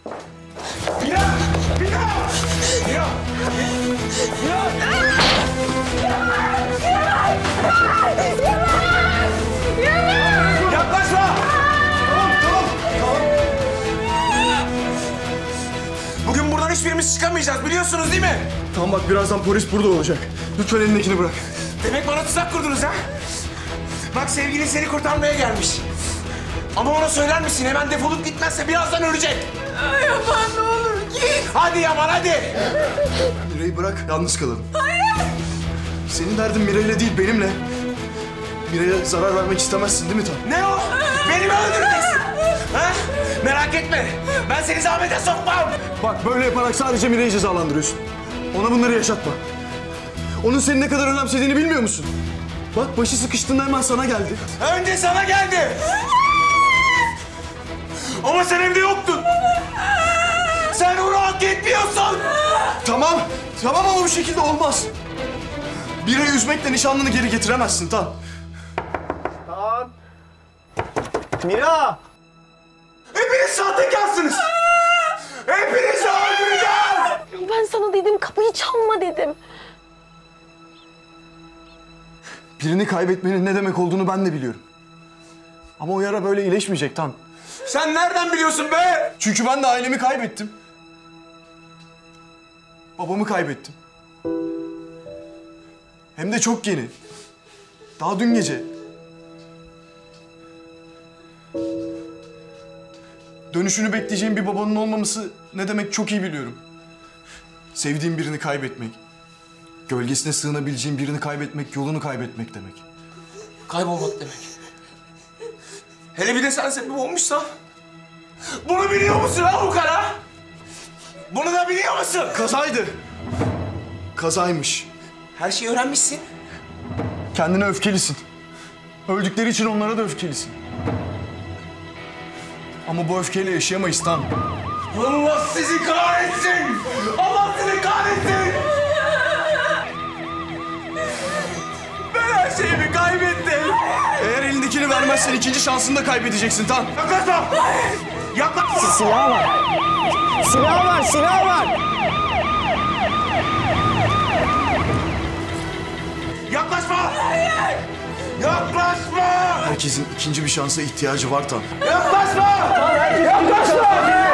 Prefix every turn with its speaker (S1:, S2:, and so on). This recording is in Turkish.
S1: Mira! Mira! Mira! Yaklaşma! Tamam. Bugün buradan hiçbirimiz çıkamayacağız biliyorsunuz değil mi?
S2: Tamam bak birazdan polis burada olacak. Lütfen elindekini bırak.
S1: Demek bana tuzak kurdunuz ha? Bak sevgilin seni kurtarmaya gelmiş. Ama ona söyler misin? Hemen defolup gitmezse birazdan ölecek.
S3: Ay Yaman ne olur git.
S1: Hadi Yaman hadi.
S2: Mira'yı bırak, yalnız kalalım. Hayır! Senin derdin Mira'yla değil, benimle. Mira'ya zarar vermek istemezsin değil mi Tan?
S1: Ne o? Beni mi öldüreceksin? Ha? Merak etme. Ben seni zahmete sokmam.
S2: Bak böyle yaparak sadece Mira'yı cezalandırıyorsun. Ona bunları yaşatma. Onun seni ne kadar önemsediğini bilmiyor musun? Bak başı sıkıştığında hemen sana geldi.
S1: Önce sana geldi. Ama sen evde yoktun. Sen onu hak etmiyorsun.
S2: Tamam ama bu şekilde olmaz. Mira'yı üzmekle nişanlını geri getiremezsin Tan.
S4: Mira!
S1: Hepiniz sahtekarsınız. Hepinizi öldüreceğim.
S3: Ben sana dedim kapıyı çalma dedim.
S2: Birini kaybetmenin ne demek olduğunu ben de biliyorum. Ama o yara böyle iyileşmeyecek Tan.
S1: Sen nereden biliyorsun be?
S2: Çünkü ben de ailemi kaybettim. Babamı kaybettim. Hem de çok yeni. Daha dün gece. Dönüşünü bekleyeceğim bir babanın olmaması ne demek çok iyi biliyorum. Sevdiğim birini kaybetmek, gölgesine sığınabileceğim birini kaybetmek, yolunu kaybetmek demek.
S1: Kaybolmak demek. Hele bir de sen sebep olmuşsan. Bunu biliyor musun ha bu kara? Bunu da biliyor musun?
S2: Kazaydı. Kazaymış.
S1: Her şeyi öğrenmişsin.
S2: Kendine öfkelisin. Öldükleri için onlara da öfkelisin. Ama bu öfkeyle yaşayamayız Tan.
S1: Allah sizi kahretsin! Allah sizi kahretsin! Ben her şeyimi kaybettim.
S2: Eğer elindekini vermezsen ikinci şansını da kaybedeceksin Tan.
S1: Yaklaşma! Yaklaşma!
S4: Silah var! Silah var, silah var!
S1: Yaklaşma! Hayır! Yaklaşma!
S2: Herkesin ikinci bir şansa ihtiyacı var Tan.
S1: Yaklaşma! Yaklaşma!